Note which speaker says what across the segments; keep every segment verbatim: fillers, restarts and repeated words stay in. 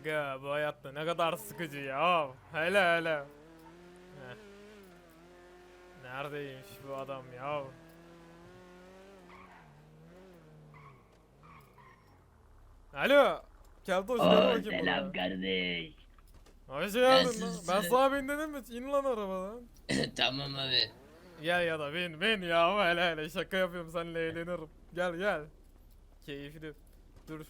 Speaker 1: Aga bu hayatta ne kadar sıkıcı ya. Hele hele. Heh. Neredeymiş bu adam ya? Alo. Keltoş gel
Speaker 2: Oo
Speaker 1: bakayım
Speaker 2: selam
Speaker 1: buraya.
Speaker 2: kardeş.
Speaker 1: Hoş geldin lan. Ben
Speaker 2: Nasılsın?
Speaker 1: sana bin dedim mi? İn lan arabadan.
Speaker 2: Tamam abi.
Speaker 1: Gel ya da bin bin ya. Hele hele şaka yapıyorum, seninle eğlenirim. Gel gel. Keyifli. Dur.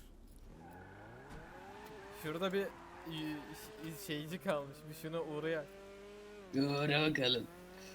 Speaker 1: Şurada bir y- ş- şeyci kalmış. Bir şuna uğrayak.
Speaker 2: Uğra bakalım.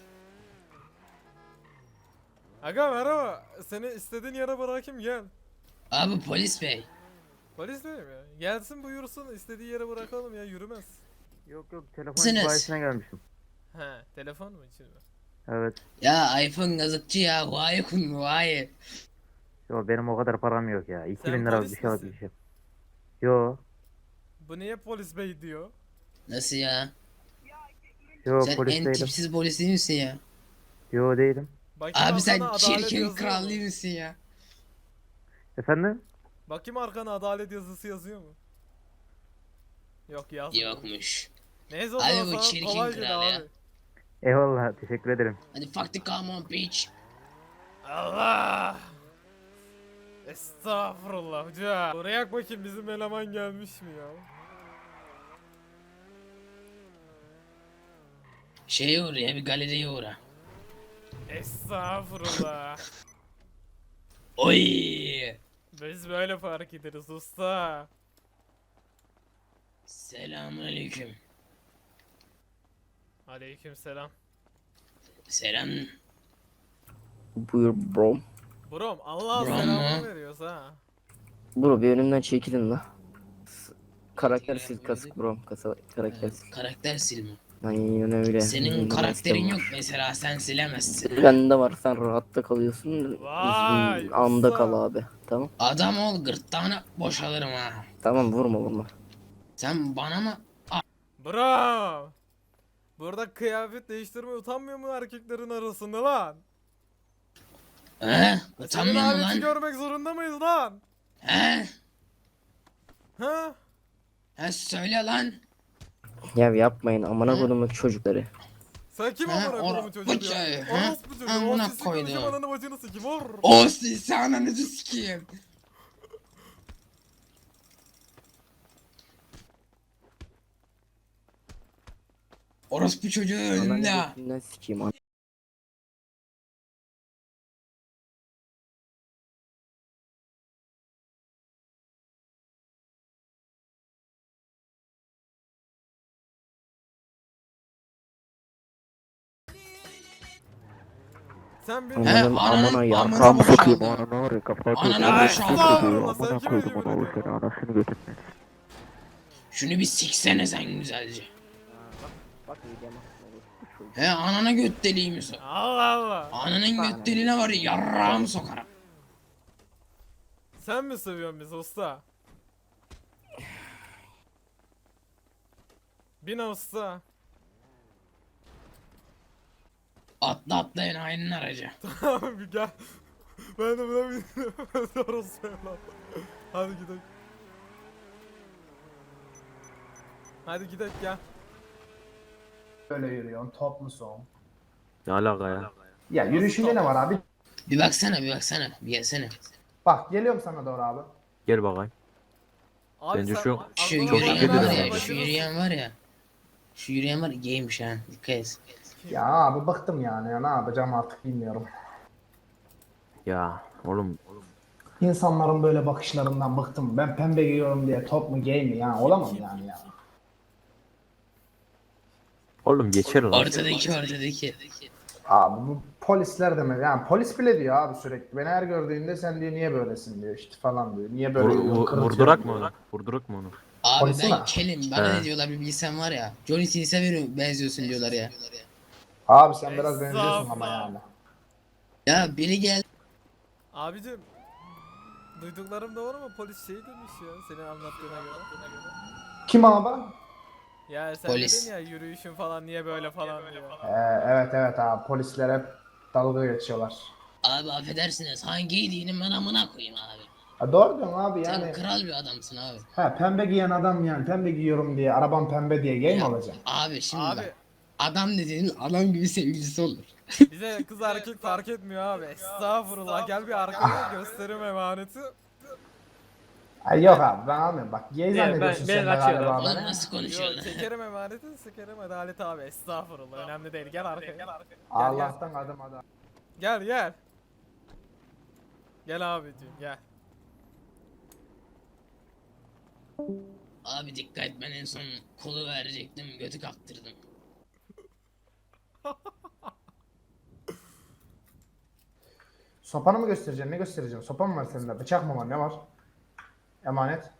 Speaker 1: Aga merhaba. Seni istediğin yere bırakayım, gel.
Speaker 2: Abi polis bey.
Speaker 1: Polis değil mi ya? Gelsin buyursun, istediği yere bırakalım ya, yürümez.
Speaker 3: Yok yok, telefon
Speaker 2: Nasılsınız?
Speaker 3: bayisine gelmişim.
Speaker 1: He, telefon mu için mi?
Speaker 3: Evet.
Speaker 2: Ya iPhone gazıkçı ya. Huawei kun Huawei.
Speaker 3: Yo, benim o kadar param yok ya.
Speaker 1: Sen
Speaker 3: iki bin lira
Speaker 1: polis
Speaker 3: bir şey
Speaker 1: misin?
Speaker 3: alabileceğim. Yo.
Speaker 1: Bu niye polis bey diyor?
Speaker 2: Nasıl ya?
Speaker 3: Yo,
Speaker 2: Sen
Speaker 3: polis
Speaker 2: en
Speaker 3: değilim.
Speaker 2: tipsiz polis değil misin ya?
Speaker 3: Yo, değilim.
Speaker 1: Bakayım
Speaker 2: Abi sen
Speaker 1: arkana adalet
Speaker 2: çirkin
Speaker 1: yazıyor
Speaker 2: kral
Speaker 1: mu?
Speaker 2: değil misin ya?
Speaker 3: Efendim?
Speaker 1: Bakayım arkana adalet yazısı yazıyor mu? Yok, yazmıyor.
Speaker 2: Yokmuş.
Speaker 1: Neyse, o
Speaker 2: Abi
Speaker 1: zaman
Speaker 2: bu
Speaker 1: sana
Speaker 2: çirkin
Speaker 1: kolay
Speaker 2: kral
Speaker 1: gel
Speaker 2: ya.
Speaker 1: abi.
Speaker 3: Eyvallah, teşekkür ederim.
Speaker 2: Hadi fuck the come on bitch.
Speaker 1: Allah! Estağfurullah hoca. Oraya bakayım, bizim eleman gelmiş mi ya?
Speaker 2: Şeye uğra ya, bir galeriye uğra.
Speaker 1: Estağfurullah.
Speaker 2: Oy.
Speaker 1: Biz böyle fark ederiz usta.
Speaker 2: Selamünaleyküm.
Speaker 1: Aleykümselam.
Speaker 2: Selam.
Speaker 4: Buyur bro.
Speaker 1: Brom, Allah
Speaker 2: Brom
Speaker 1: selamını
Speaker 2: mu?
Speaker 1: veriyoruz ha.
Speaker 4: Bro bir önümden çekilin la. S- Karakter
Speaker 2: Çekil
Speaker 4: sil
Speaker 2: ya,
Speaker 4: kask bro. Kasa, karakter
Speaker 2: Ee,
Speaker 4: sil.
Speaker 2: karakter silme.
Speaker 4: Aynen öyle.
Speaker 2: Senin
Speaker 4: Benim de
Speaker 2: karakterin
Speaker 4: maskem
Speaker 2: yok
Speaker 4: var.
Speaker 2: mesela, sen silemezsin.
Speaker 4: Bende var, sen rahatta kalıyorsun.
Speaker 1: Vay,
Speaker 4: Bizim anda
Speaker 1: usta.
Speaker 4: kal abi. Tamam.
Speaker 2: Adam ol, gırtlağına boşalırım ha.
Speaker 4: Tamam, vurma vurma.
Speaker 2: Sen bana mı?
Speaker 1: Brom. Burada kıyafet değiştirmeye utanmıyor mu erkeklerin arasında lan?
Speaker 2: He?
Speaker 1: E, Senin
Speaker 2: Utanmıyor mu
Speaker 1: aleti
Speaker 2: lan?
Speaker 1: görmek zorunda mıyız lan?
Speaker 2: He?
Speaker 1: Ha?
Speaker 2: He söyle lan.
Speaker 4: Ya yapmayın amına
Speaker 2: Hı?
Speaker 4: kodumun çocukları.
Speaker 1: Sen kim
Speaker 2: Ha,
Speaker 1: amına
Speaker 2: ora-
Speaker 1: kodumun çocuğu
Speaker 2: bu
Speaker 1: ya?
Speaker 2: çocuğu, ha?
Speaker 1: Orospu çocuğu.
Speaker 2: Amına
Speaker 1: O sisi
Speaker 2: koydum.
Speaker 1: konuşup ananı bacını sikim. Or.
Speaker 2: O sizi ananızı sikeyim. Orospu çocuğu önümde.
Speaker 4: Ananı götünden sikeyim. an-
Speaker 1: Sen bir...
Speaker 2: He,
Speaker 4: Ananın
Speaker 2: ananın
Speaker 4: amına
Speaker 2: amına
Speaker 4: yarram sokayım.
Speaker 2: boşaldı.
Speaker 4: Ananı var ya kafayı
Speaker 2: Ananı
Speaker 4: koyayım.
Speaker 2: boşaldı.
Speaker 1: Estağfurullah, sen
Speaker 4: Amına
Speaker 1: kime
Speaker 4: koydum
Speaker 1: yemin
Speaker 4: ona o
Speaker 1: ediyorsun?
Speaker 4: seni anasını götünden.
Speaker 2: Şunu bir siksene sen güzelce.
Speaker 4: Bak yiyeceğim.
Speaker 2: He, anana göt deliği misin?
Speaker 1: Allah Allah.
Speaker 2: Ananın göt deliğine var ya, yarrağımı sokarım.
Speaker 1: Sen mi seviyorsun bizi usta? Bin usta.
Speaker 2: Atla atla enayinin aracı.
Speaker 1: Tamam bir gel. Ben de buna bindim. Orospu evlat. Hadi gidelim. Hadi gidelim gel.
Speaker 5: Böyle yürüyorsun, top musun?
Speaker 3: Ne alaka ya?
Speaker 5: Ya yürüyüşünde ne var abi?
Speaker 2: Bir baksana bir baksana bir gelsene.
Speaker 5: Bak geliyorum sana doğru abi.
Speaker 3: Gel bakayım.
Speaker 1: Abi
Speaker 3: Bence
Speaker 1: sen
Speaker 3: şu-
Speaker 2: Şu
Speaker 1: aklına
Speaker 3: Çok
Speaker 2: yürüyen
Speaker 3: iyi
Speaker 2: var
Speaker 3: dedin
Speaker 2: ya,
Speaker 3: abi.
Speaker 2: şu yürüyen var ya. Şu yürüyen var ya, gaymiş ha, dikkat et.
Speaker 5: Ya abi bıktım yani ya ne yapacağım artık bilmiyorum.
Speaker 3: Ya oğlum.
Speaker 5: İnsanların böyle bakışlarından bıktım. Ben pembe giyiyorum diye top mu gay mi ya olamam yani ya.
Speaker 3: Oğlum geçer lan.
Speaker 2: Ortadaki ortadaki.
Speaker 5: Abi bu polisler de mi? Yani polis bile diyor abi sürekli. Beni her gördüğünde sen diyor niye böylesin diyor işte falan diyor. Niye böyle
Speaker 3: Vur,
Speaker 5: yürüyorsun,
Speaker 3: vur-
Speaker 5: kırıtıyorsun
Speaker 3: vurdurak mı
Speaker 5: diyor.
Speaker 3: onu? Vurdurak mı onu?
Speaker 2: Abi
Speaker 5: Polisi
Speaker 2: ben
Speaker 5: mi?
Speaker 2: kelim, bana
Speaker 3: He.
Speaker 2: ne diyorlar bir bilsen var ya. Johnny Sins'e bir benziyorsun diyorlar ya.
Speaker 5: Abi sen biraz benziyorsun ama
Speaker 1: Estağfurullah.
Speaker 5: yani.
Speaker 2: Ya biri gel.
Speaker 1: Abicim, duyduklarım doğru mu? Polis şey demiş ya senin anlattığına göre.
Speaker 5: Kim abi?
Speaker 1: Ya sen
Speaker 2: Polis.
Speaker 1: dedin ya yürüyüşün falan niye böyle falan diyor.
Speaker 5: Ee, evet evet abi polisler hep dalga geçiyorlar.
Speaker 2: Abi affedersiniz, hangi dinin ben amına koyayım abi.
Speaker 5: Ha, doğru diyorsun abi
Speaker 2: Sen
Speaker 5: yani.
Speaker 2: kral bir adamsın abi.
Speaker 5: Ha, pembe giyen adam yani pembe giyiyorum diye arabam pembe diye gay mi
Speaker 2: Ya,
Speaker 5: alacağım?
Speaker 2: Abi şimdi
Speaker 1: Abi
Speaker 2: bak. Adam dediğin adam gibi sevgilisi olur.
Speaker 1: bize kız erkek fark etmiyor abi. Estağfurullah. Gel bir arkaya gösterim emaneti.
Speaker 5: Ay yok abi ben almıyorum bak gay
Speaker 6: ben-
Speaker 5: zannediyorsun
Speaker 6: ben
Speaker 5: sen de
Speaker 6: kaçıyorum.
Speaker 5: galiba
Speaker 2: Oğlum
Speaker 5: beni.
Speaker 2: nasıl
Speaker 1: Yok
Speaker 2: konuşuyorsun?
Speaker 1: çekerim emaneti, sıkarım adalet abi. Estağfurullah. Önemli değil. Gel arkaya. Gel gel.
Speaker 5: Allah'tan adım adam.
Speaker 1: Gel gel. Gel abiciğim gel.
Speaker 2: Abi dikkat et, ben en son kolu verecektim, götü kaptırdım.
Speaker 5: Sopanı mı göstereceksin ne göstereceksin? Sopa mı var sende? Bıçak mı var ne var? Emanet.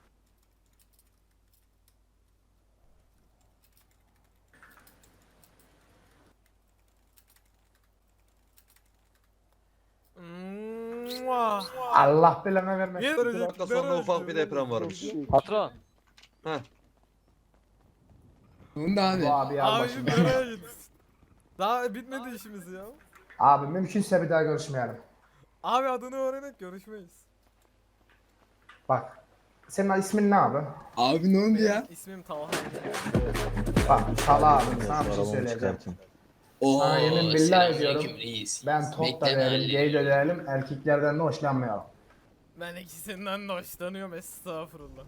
Speaker 1: Mua.
Speaker 5: Allah belanı vermesin.
Speaker 1: Yürü,
Speaker 7: Dakika sonra ufak bir deprem varmış.
Speaker 6: Patron.
Speaker 7: Heh.
Speaker 2: Bunda abi.
Speaker 5: Bu abi al
Speaker 1: Abicim
Speaker 5: başımdan.
Speaker 1: nereye gittin? Daha bitmedi işimiz ya.
Speaker 5: Abi mümkünse bir daha görüşmeyelim.
Speaker 1: Abi adını öğrenerek görüşmeyiz.
Speaker 5: Bak. Senin ismin ne abi?
Speaker 2: Abi ne oldu ya?
Speaker 1: İsmim Talha.
Speaker 5: Bak Sala abi sana bir şey söyleyeceğim.
Speaker 2: Oo,
Speaker 5: Sana yemin billah
Speaker 2: selamünaleyküm
Speaker 5: ediyorum.
Speaker 2: reis.
Speaker 5: Ben top da
Speaker 2: Bekleme
Speaker 5: değilim,
Speaker 2: halleri.
Speaker 5: gay de değilim, erkeklerden de hoşlanmıyorum.
Speaker 1: Ben ikisinden de hoşlanıyorum estağfurullah.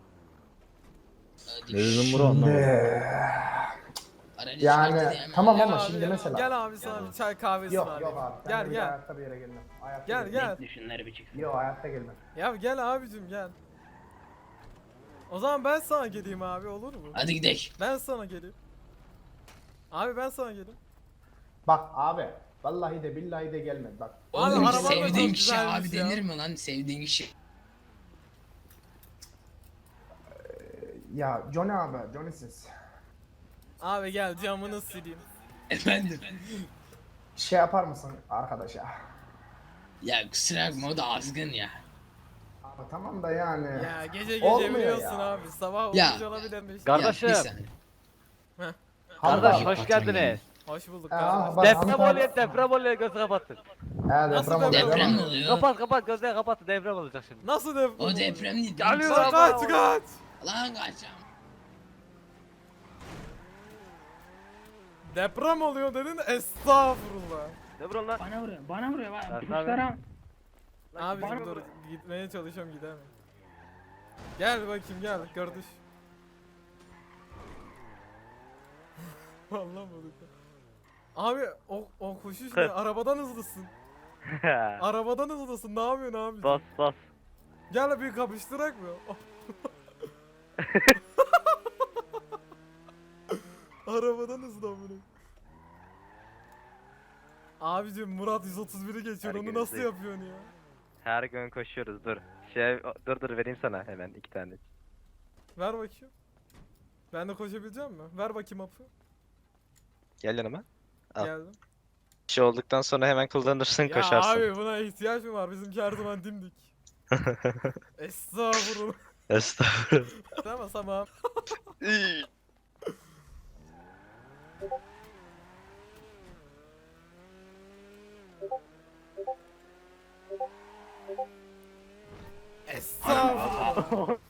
Speaker 2: Hadi.
Speaker 3: Ne dedim bro anlamadım.
Speaker 5: Ee,
Speaker 2: Aracı
Speaker 5: yani
Speaker 2: çıkarttı diye hemen.
Speaker 5: tamam
Speaker 1: Gel
Speaker 5: ama
Speaker 1: abi,
Speaker 5: şimdi
Speaker 1: gel,
Speaker 5: mesela.
Speaker 1: Gel abi sana bir çay kahvesi
Speaker 5: Yok
Speaker 1: var.
Speaker 5: yok abi. Ben
Speaker 1: Gel
Speaker 5: de bir
Speaker 1: gel.
Speaker 5: hayatta bir yere gelmem. Hayatta
Speaker 1: Gel
Speaker 5: gelmem.
Speaker 1: gel.
Speaker 2: Düşünler bir çıksın.
Speaker 5: Yok hayatta gelmem.
Speaker 1: Ya gel abicim gel. O zaman ben sana geleyim abi olur mu?
Speaker 2: Hadi gidelim.
Speaker 1: Ben sana geleyim. Abi ben sana geleyim.
Speaker 5: Bak abi. Vallahi de billahi de gelmedi bak.
Speaker 1: Abi,
Speaker 2: Oğlum
Speaker 1: araban da
Speaker 2: sevdiğin
Speaker 1: çok
Speaker 2: kişi
Speaker 1: güzelmiş
Speaker 2: abi
Speaker 1: ya.
Speaker 2: denir mi lan, sevdiğin kişi?
Speaker 5: Ya Johnny abi, Johnny'siz.
Speaker 1: Abi gel camını sileyim.
Speaker 2: Efendim.
Speaker 5: Şey yapar mısın arkadaşa?
Speaker 2: Ya kusura bakma, o da azgın ya.
Speaker 5: Abi tamam da yani.
Speaker 1: Ya gece gece
Speaker 5: Olmuyor
Speaker 1: biliyorsun
Speaker 5: ya.
Speaker 1: abi sabah
Speaker 2: Ya.
Speaker 1: olunca olabilirmiş.
Speaker 6: Kardeşim.
Speaker 2: Ya, bir saniye.
Speaker 5: Hamza.
Speaker 6: Kardeş hoş geldiniz.
Speaker 1: Hoş bulduk
Speaker 5: Aa,
Speaker 1: kardeşim.
Speaker 5: bak,
Speaker 6: Deprem
Speaker 5: Hamza-
Speaker 6: oluyor, deprem oluyor, gözü kapatın.
Speaker 5: He
Speaker 1: Nasıl
Speaker 5: deprem oluyor
Speaker 2: Deprem mi
Speaker 5: ama.
Speaker 2: oluyor?
Speaker 6: Kapat kapat, gözleri kapatın, deprem olacak şimdi.
Speaker 1: Nasıl deprem?
Speaker 2: O deprem değil.
Speaker 6: Geliyor.
Speaker 1: Lan kaç kaç.
Speaker 2: Lan kaçacağım.
Speaker 1: Deprem oluyor dedin estağfurullah.
Speaker 6: Deprem lan.
Speaker 8: Bana vuruyor, bana vuruyor. Bana,
Speaker 6: Lan
Speaker 8: kuşlara...
Speaker 1: Abi
Speaker 8: bana
Speaker 1: dur gitmeye çalışıyorum gidemem. Gel bakayım gel kardeş. Vallahi bulduk. Abi o o koşuş ne? Arabadan hızlısın. Arabadan hızlısın. Ne yapıyorsun abi?
Speaker 6: Bas bas.
Speaker 1: Gel bir kapıştırak mı? Arabadan hızlı amına. Abicim Murat yüz otuz biri geçiyor. Onu
Speaker 6: Herkes
Speaker 1: nasıl
Speaker 6: değil.
Speaker 1: yapıyorsun ya?
Speaker 6: Her gün koşuyoruz, dur. Şey, dur dur vereyim sana hemen iki tane.
Speaker 1: Ver bakayım. Ben de koşabileceğim mi? Ver bakayım hapı.
Speaker 9: Gel yanıma. Al.
Speaker 1: Geldim.
Speaker 9: Şey olduktan sonra hemen kullanırsın,
Speaker 1: Ya
Speaker 9: koşarsın.
Speaker 1: abi buna ihtiyaç mı var? Bizimki her zaman dimdik. Estağfurullah.
Speaker 9: Estağfurullah.
Speaker 1: Tamam tamam. Estağfurullah.